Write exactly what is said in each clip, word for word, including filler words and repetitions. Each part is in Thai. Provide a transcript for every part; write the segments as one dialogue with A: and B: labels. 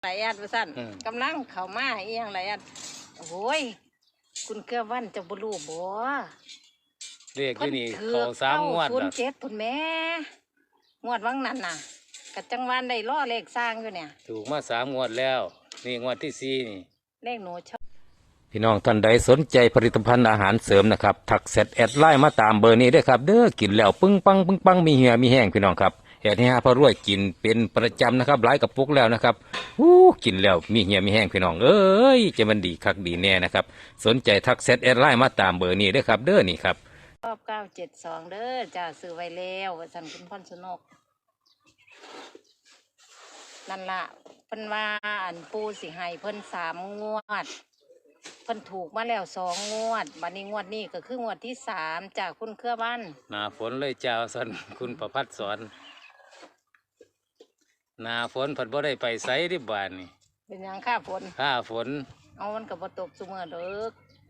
A: หลายอันว่าสั่นกำลังเข้ามาเอียงหลายอันโอ้ยคุณเกือวันจะบลูบ่
B: เรียกที่นี่เขาสามงวด
A: ศูนย์เจ็ดพุ่นแม่งวดวังนั้นน่ะกับจังหวัดได้ล่อเลขสร้างอยู่เนี่ย
B: ถูกมาสามงวดแล้วนี่งวดที่สี่นี่
A: เลขหนูชอบ
B: พี่น้องท่านใดสนใจผลิตภัณฑ์อาหารเสริมนะครับทักเซตแอดไลน์มาตามเบอร์นี้ด้วยครับเด้อกินแล้วปึ้งปังปึ้งปังมีเหี่ยมีแห้งพี่น้องครับแอดนี้ฮะพอรวยกินเป็นประจำนะครับหลายกับปุกแล้วนะครับอู้กินแล้วมีเหี่ยมีแห้งพี่น้องเอ้ยจะมันดีคักดีแน่นะครับสนใจทักเซตแอดไลน์มาตามเบอร์นี้ด้วยครับเด้อนี่ครับ
A: รอบเก้าเจ็ดสองเด้อจ้าซื้อไว้แล้วว่าสันคุณพ่อนสนกนั่นละเพิ่นว่าอันปูสิให้เพิ่นสามงวดเพิ่นถูกมาแล้วสองงวดบัดนี้งวดนี้ก็คืองวดที่สามจากคุณเครือบ้าน
B: หนาฝนเลยเจ้าสันคุณประพัดสอนหนาฝนผัดบ่ได้ไปไสดิบานนี่
A: เป็นยังค่าฝน
B: ค่าฝน
A: เอามันกับบ่ตกซุมื้อเด้อ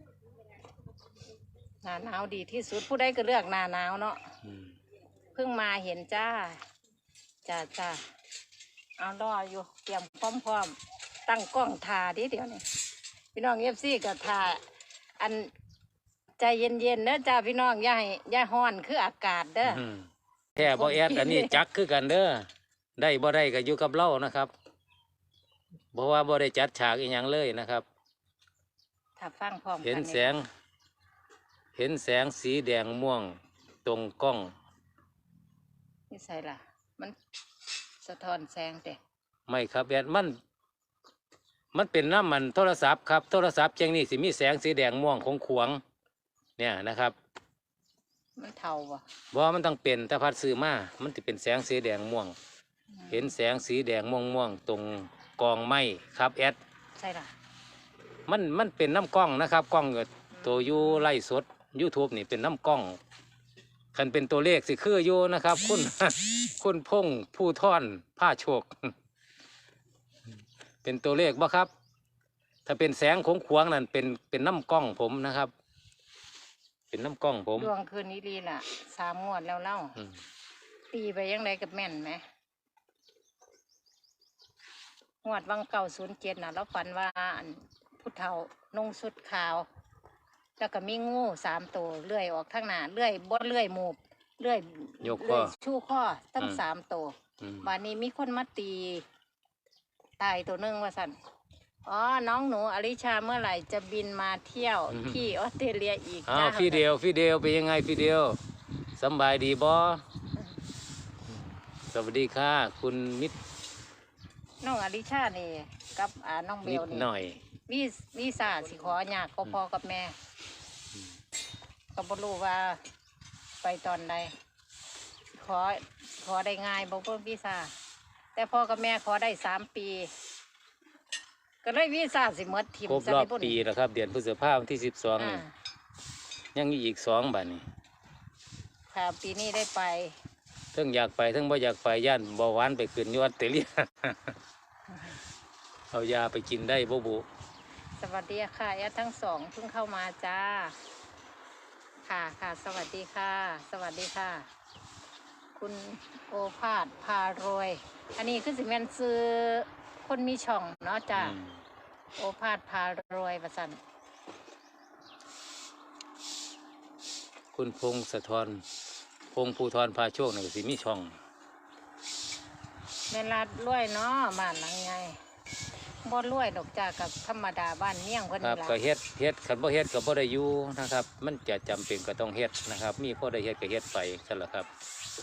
A: หน้าหนาวดีที่สุดผู้ใดก็เลือกหน้าหนาวเนาะเพิ่งมาเห็นจ้าจ้าจ้าเอารออยู่เตรียมพร้อมๆตั้งกล้องทาดิเดี๋ยวนี้พี่น้องเอฟซีกับทาอันใจเย็นๆเด้อจ้าพี่น้องอย่าให้อย่าฮ้อนคืออากาศเด้อ
B: แค่บ่แอดอันนี้จักคือกันเด้อได้บ่ได้ก็อยู่กับเรานะครับเพราะว่าบ่ได้จัดฉากอีหยังเลยนะครับ
A: ถ้าฟังพร้อมกัน
B: เห็นแสงเห็นแสงสีแดงม่วงตรงกล้อง
A: นี่ใส่ล่ะมันสะท้อนแสงแต่
B: ไม่ครับแอดมันมันเป็นน้ำมันโทรศัพท์ครับโทรศัพท์จังนี่สิมีแสงสีแดงม่วงของขวงเนี่ยนะครับ
A: มันเทาบ่
B: บ่มันต้องเป็นแต่พัดซื้อมามันจะเป็นแสงสีแดงม่วงเห็นแสงสีแดงม่วงม่วงตรงกองไม้ครับแอด
A: ใช่ล่ะ
B: มันมันเป็นน้ำกล้องนะครับกล้องตัวยูไล่สด YouTube นี่เป็นน้ำกล้องคันเป็นตัวเลขสิคืออยู่นะครับคุณ คุณพงผู้ท่อนผ้าโชค เป็นตัวเลขบ่ครับถ้าเป็นแสงของขวางนั่นเป็นเป็นน้ำกล้องผมนะครับเป็นน้ำกล้องผม
A: ดวงคืนนี้ดีล่ะสามงวดแล้วเล่าตีไปยังไงกับแม่นไหมงวดวังเก่าศูนย์เจ็ดน่ะแล้วฝันว่าผู้เฒ่านุ่งสุดขาวแล้วก็มีงูสามตัวเลื่อยออกทางหน้าเลื่อยบดเลื่อยหมูบเลื่อย
B: ยกข้อ
A: ชู้ข้อตั้งสามตัววันนี้มีคนมาตีตายตัวนึงว่าสันอ๋อน้องหนูอลิชาเมื่อไหร่จะบินมาเที่ยวที่ออสเตรเลียอีก
B: อ้าวฟิเดลฟิเดลเป็นยังไงฟิเดลสบายดีบอสวัสดีค่ะคุณมิตร
A: น้องอลิชานี่กับอ่าน้องเบลนี่
B: หน่อย
A: วีวีซ่าสิขออยากก็พอกับแม่ก็บ่รู้ว่าไปตอนใดขอขอได้ง่ายบ่เพิ่มวีซ่าแต่พ่อกับแม่ขอได้สามปีก็เลยวีซ่าสิหมดทิม
B: ครบรอบปีแล้วครับเดือนพฤษภาคมที่สิบสองยังมีอีกสองบัดนี้
A: ค่ะปีนี้ได้ไป
B: ทั้งอยากไปทั้งบ่อยากไปย่านเบาหวานไปขึ้นยอดเตลียเอายาไปกินได้บ่บุ
A: สวัสดีค่ะแอดทั้งสองเพิ่งเข้ามาจ้าค่ะค่ะสวัสดีค่ะสวัสดีค่ะคุณโอภาสพารวยอันนี้คือสิแม่นซื้อคนมีช่องเนาะจ้าโอภาสพารวยประสัน
B: คุณพงศธรพงภูธรพาโชคนี่สิมีช่อง
A: แม่รัดรวยเนาะบ้านหลังไงบ่รวยดอกจ้ากับธรรมดาบ้านเมี่ยงเพิ่น
B: ครับก็เฮ็ดเฮ็ดคันบ่เฮ็ดก็บ่ได้อยู่นะครับมันจะจำเป็นก็ต้องเฮ็ดนะครับมีพอได้เฮ็ดก็เฮ็ดไปซั่นล่ะครับ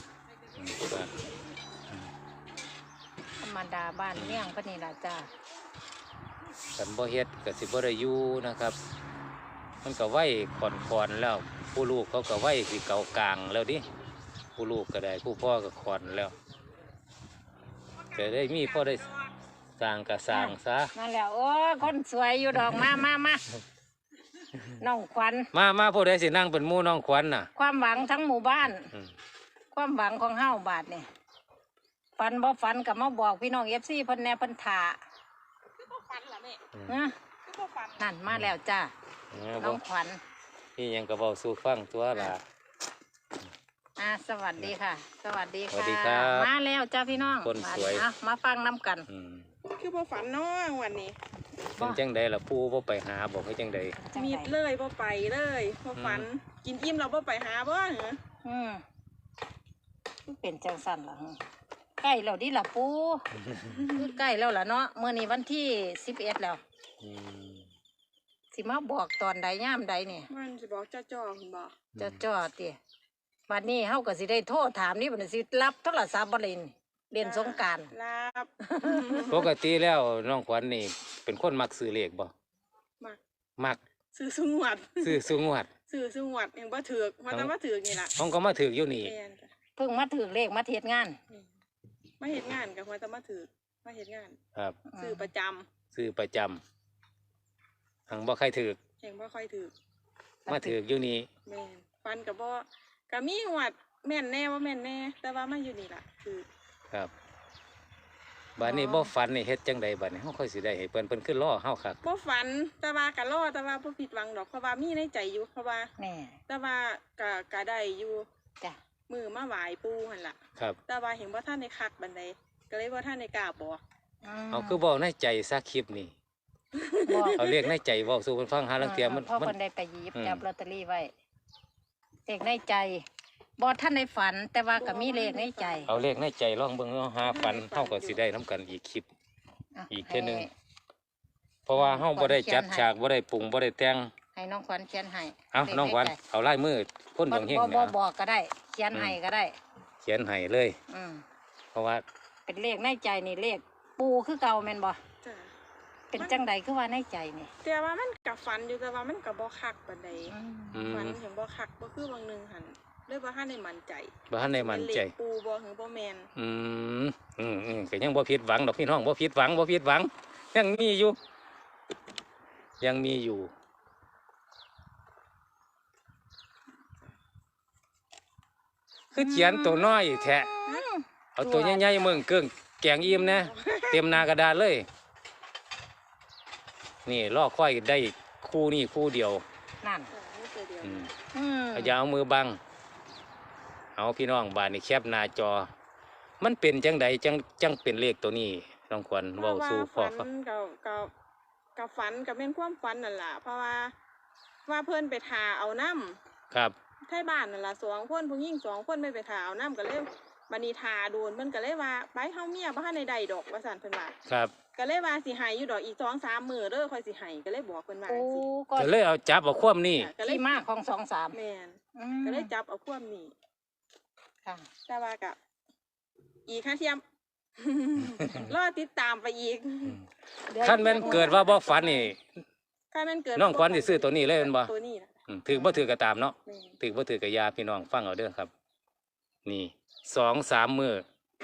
A: ธรรมดาบ้านเมี่ยงเพิ่นนี่ล่ะจ้า
B: คันบ่เฮ็ดก็สิบ่ได้อยู่นะครับมันก็ไว้ก่อนๆแล้วผู้ลูกเขาก็ไว้สิเก่ากลางแล้วดิผู้ลูกก็ได้ผู้พ่อก็ขอนแล้วก็ได้มีพอได้สร้างกะสร้างซะ
A: นั่นแหละโอ้คนสวยอยู่ดอกมามามาน้องขวัญ
B: มามาผู้ใดสินั่งเป็นหมู่น้องขวัญน่ะ
A: ความหวังทั้งหมู่บ้านความหวังของเฮาบาทนี่ฝันบ่ฝันกับมาบอกพี่น้องเอฟซีเพิ่นแน่เพิ่นถ่าคือบ่ฝันล่ะแม่นะคือบ่ฝันนั่นมาแล้วจ้าน้องขวัญ
B: นี่ยังก็เว้าสู่ฟังตัวล่ะ
A: อ่าสวัสดีค่ะสวัสดีค่ะมาแล้วจ้าพี่น้อง
B: คนสวย
A: มาฟังน้ำกัน
C: คือบ่ฝันเนาะวันนี้
B: เป็นจังใดล่ะปู่บ่ไปหาบอกให้จังใด
A: จัง
C: มีด
A: ได
C: เลยบ่ไปเลยบ่ฝันกินอิ่มเราบ่ไปหาบ่เหรอ
A: อืมมันเป็นจังสั่นล่ะหึใกล้แล้วดิล่ะปูคือใกล้แล้วล่ะเนาะเมื่อนี้วันที่สิบเอ็ดแล้ว
B: อืม
A: สิมาบอกตอนใดย่ามใดเนี่ย
C: มันสิบอกจ้าจ้อคุณบอก
A: จะจอดติบัดนี้เฮาก็สิได้โทษถามนี่บัดนี้สิรับโทรศัพท์บ่เล่นเล่นสงกรานต์
C: รับ
B: ปกติแล้วน้องขวัญนี่เป็นคนมักซื้อเลขบ่
C: มัก
B: มัก
C: ซื้อสุงวด
B: ซื้อสูงวด
C: ซื้อสุงวดยังบ่ถือกมาแต่มาถือกนี่ล่ะ
B: ห้องก็มาถึกอยู่นี่
C: แม่นจ้ะ
A: เพิ่งมาถึงเลขมาเทศงาน
C: แม่นมาเฮ็ดงานกับมาแต่มาถือกมาเฮ็ดงาน
B: ครับ
C: ซื้อประจำ
B: ซื้อประจำหังบ่ใครถึก
C: แห่งบ่ค่อยถือก
B: มาถึกอยู่นี่
C: แม่นฟันกับบ่ก็มีหวัดแม่นแน่ว่าแม่นแน่ แต่ว่ามาอยู่นี่ล่ะคือ
B: ครับบัดนี้บ่ฝันนี่เฮ็ดจังใดบัดนี้เฮาค่อยสิได้ให้เพิ่นเพิ่นขึ้นล้อเฮาคัก
C: บ่ฝันแต่ว่าก็รอแต่ว่าบ่ผิดหวังดอกเพราะว่ามีในใจอยู่เพราะว่า
A: แน่
C: แต่ว่าก็ก็ได้อยู่
A: จ้ะ
C: มือมาไหว้ปู่หั่นล่ะ
B: ครับ
C: แต่ว่าเห็นว่าท่านในคักบันไดก็เลยว่าท่านในกล้าบอก
A: ม
B: เอาคือเว้าในใจซะคลิปนี่
A: บอก
B: เอาเรียกในใจเว้าสู่เพิ่นฟังหาลังเทียมัน
A: พ่อ
B: มั
A: คน นได้ไปหยิบ
B: อืม
A: จับลอตเตอรี่ไว้เลขในใจบอท่านในฝัน แต่ว่าก็มีเลขในใจ
B: เอาเลขในใจลองเบิ่งเอาหาฝันเฮาก็สิได้นํกันอีกคลิป
A: ะ
B: อีกเทื่อหนึ่ง
A: ให้
B: เพราะว่าเฮาบ่ได้จัด
A: ขวัญเขียนให้
B: ฉากบ่ได้ปรุงบ่ได้แต่ง
A: ให้น้องขวัญเขียนให้
B: เอา
A: เลข
B: น้องขวัญ
A: ใใจ
B: เอาลายมือคนดวงเฮง
A: บ่
B: เนี่
A: บ่
B: ย
A: บอกก็ได้ เขียนให้ก็ได้
B: เขียนให้เลย
A: อืม
B: เพราะว่า
A: เป็นเลขในใจนี่เลขปูคือเก่าแม่นบ่
C: จ้ะ
A: เป็นจังใดคือว่าในใจนี่
C: แต่ว่ามันกับฟันอยู่แต่ว่ามันกับบ่คักบันได
A: อืม
B: อืม
C: ฟันเห็นบ่คักบ่คือบางหนึงหันเลยว่าท่านในมั่นใจ
B: บ่ทันได้มั่นใจ
C: เป็เลขปูบ่หรือบ่แมน
B: อืมอืมอืมก็ยังบ่ผิดหวังดอกพี่น้องบ่ผิดหวังบ่ผิดหวัง ยังมีอยู่ ยังมีอยู่ คือเขียนตัวน้อยแท้เอาตัวใหญ่ๆมึงเกิ้งแกงอิ่มนะเต็มหนากระดาษเลย นี่ลอกค่อยได้คู่นี่คู่เดียว
A: นั่น
C: จ้ะนี่ตัวเดียว
B: อืม
A: อืม
B: อย่าเอามือบัง เอาพี่น้องบานนี่แคบหน้าจอ มันเป็นจังใดจังจังเป็นเลขตัวนี้น้องขวัญเว้าสู่พ่อ
C: เพ
B: เขา
C: ราะว่าฝันกับกับกับฝันกับแม่นความฝันนั่นล่ะเพราะว่าว่าเพิ่นไปทาเอาน้ำ
B: ครับ
C: ไทบ้านนั่นล่ะสองคนผู้หญิงสองคนไม่ไปถาเอาน้ำก็เลยบัดนี้ทาโดนเพิ่นก็เลยว่าไปเฮาเมียบ่ทันได้ได้ดอกว่าซั่นเพิ่นว่า
B: ครับ
C: ก็เลยว่าสิให้อยู่ดอกอีกสองสามมื้อเด้อค่อยสิให้ก็เลยบอกเพิ่นว่า
A: ปู
C: จังซี่
A: ก็
B: ก็เลยเอาจับเอาความนี่
C: ค่ะก็เลย
A: ที่มาของสองสาม
C: แม่น
A: อืม
C: ก็เลยจับเอาความนี้
A: ค่ะ
C: แต่ว่าก็อีกค่าเทียม รอติดตามไปอีก
B: ขั้นแม่นเกิดว่าบ่ฝันนี่
C: ถ้ามันเกิด
B: น้องขวัญสิซื้อตัวนี้เลยแม่นบ่
C: ตัวนี้นะ
B: อืมถือบ่ถือก็ตามเนาะ
C: แม่น
B: ถือบ่ถือก็อยาพี่น้องฟังเอาเด้อครับ นี่สองสามมื้อ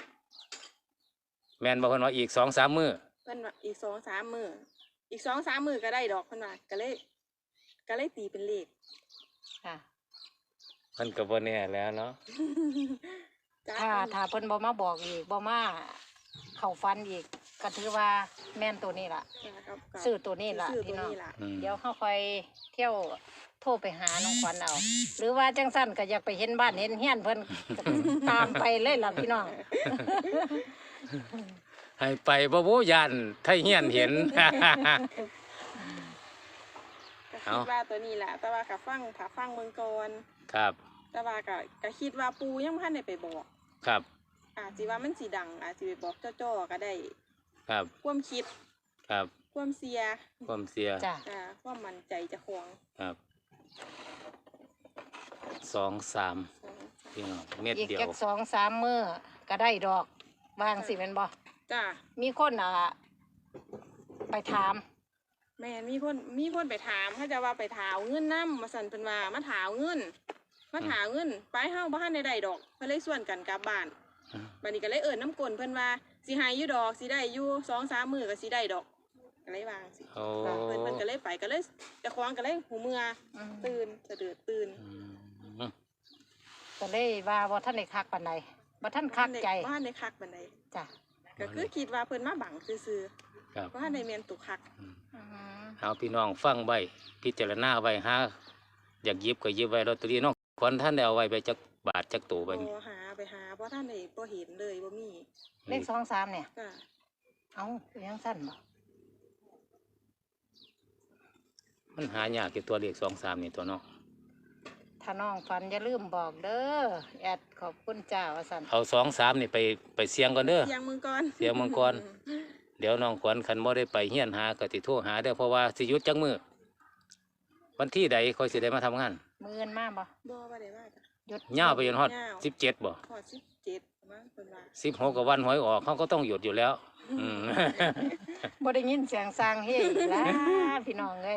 B: แม่นบ่เพิ่นว่าอีกสองสามมื้อ
C: เพิ่นว่าอีกสองสามมื้ออีกสองสามมื้อก็ได้ดอกเพิ่นว่าก็เลยก็เลยตีเป็นเลข
A: ค่ะ
B: มันก็บ่แน่แล้วเนาะ
C: จ้า
A: ถ้าถ้าเพิ่นบ่มาบอกอีกบ่มาเข้าฟันอีกก็ถือว่าแม่นตัวนี้ล่ะ
C: จ้าครับครับ
A: ซื้อตัวนี้ล่ะ
C: ซื้อตั
A: พี่
C: ว
A: น้อง
C: นี้ล่ะ
B: อืม
A: เดี๋ยวเขาคอยเที่ยวโทรไปหาน้องขวัญเอา หรือว่าจังสั้นก็อยากไปเห็นบ้านเห็นเฮียนเพิ่นก็ตามไปเลยล่ะพี่น้อง
B: ให้ไปบ่โบยานไทเฮียนเห็น
C: ก็
B: เอา
C: คิดว่าตัวนี้แหละแต่ว่ากับฟังถ้าฟังเมืองก่อน
B: ครับ
C: แต่ว่าก็ก็คิดว่าปูยังพันได้ไปบอก
B: ครับ
C: อาจสิว่ามันสีดัง อาจสิไปบอกจ้อๆก็ได้
B: ครับ
C: ความคิด
B: ครับ
C: ความเสีย
B: ความเสีย
A: จ้ะ
C: อ่าความมั่นใจเจะควง
B: ครับสองสามพี่น้องเม็ด
A: อีก
B: เดียว
A: จักสองสามมื้อก็ได้ดอกวางสิแม่นบ่
C: จ้า
A: มีคนอ่ะไปถาม
C: แม่นมีคนมีคนไปถามเขาจะว่าไปถาวเงินน้ำมาสั่นเพิ่นว่ามาถาวเงินมาถาวเงินไปเฮาบ่ทันได้ได้ดอกเพิ่นเลยส่วนกันกลับบ้าน
B: อืม
C: บัดนี้ก็เลยเอิ้นน้ำกลนเพิ่นว่าสิให้อยู่ดอกสิได้อยู่สองสามมื้อก็สิได้ดอกก็เลยวางสิ
B: โอ้
C: เพิ่นเพิ่นก็เลยไปก็เลยเจะคล้าของก็เลยหูเมื่อ
A: อืม
C: ตื่นสะดือตื่น
B: อืม
A: ก็เลยว่าบ่ทันได้คักปานใดบ่ทันคักใจ
C: บ้านในคักบันได
A: จ้ะ
C: ก็คือคิดว่าเพิ่นมาบังซื่อ
B: ครับ
C: ๆว่าในเมียนตุกคัก
A: อืม
B: เอาพี่น้องฟังไว้พิจารณาไว้หาอยากหยิบก็หยิบไว้ลอตเตอรี่น้องขวัญท่านได้เอาไว้ไปจักบาทจักตัวไป
C: บ่หาไปหาเพราะท่านได้บ่เห็นเลยบ่มี
A: เลขสองสามเนี่ย
C: จ้ะ
A: เอาเป็นยังสั้นบ่
B: มันหายากเกี่ตัวเลขสองสามนี่ตัวเนาะ
A: ถ้าน้องฝันอย่าลืมบอกเด้อแอดขอบคุณจ้าว่าสัน
B: เอาสองสามนี่ไปไปเสียงก่อนเด้อ
C: เสียงมึงก่อน
B: เสียงมังกร เดี๋ยวน้องขวัญคันบ่ได้ไปเฮียนหาก็สิโทรหาเด้อเพราะว่าสิหยุดจังมือวันที่ใดค่อยสิได้มาทำงาน
A: มือเงินมาบ่
C: บ่ว่าได้ว่าจ้ะ
A: หยุด
B: ย่าวไปจนฮอด
C: ยาว
B: สิบเจ็ดบ่
C: พอสิบเจ็ดมั้งเพิ่นว่า
B: สิบหกกับวันหวยออกเขาก็ต้องหยุดอยู่แล้ว อืม
A: บ่ได้ยินเสียงสร้างเฮ้อีกแล้วพี่น้องเอ้ย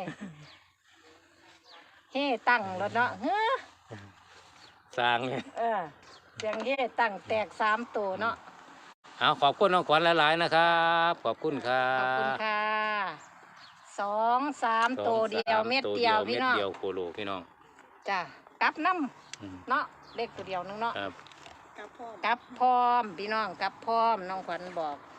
A: เฮ้ตั้งแล้วเนาะเฮ้อ
B: สร้างเลย
A: เออเสียงเฮ้ตั้งแตกสามตัวเนาะ
B: เอาขอบคุณน้องขวัญหลายๆนะครับ ขอบคุณครั
A: ขอบคุณ
B: บ
A: ค่ะสองสาม
B: สอง
A: ตัวเดียว
B: สา
A: เม็ด
B: ตัว
A: เดียวพี่น้อง
B: เม็ดเดียวโคโลพี่น้อง
A: จ้ะกลับน้
B: อืม
A: ำเนาะเลขตัวเดียวนึงเนาะ
B: ครับ
C: กับพ่อ
A: กลับพร้อมพี่น้องกลับพร้อมน้องขวัญบอก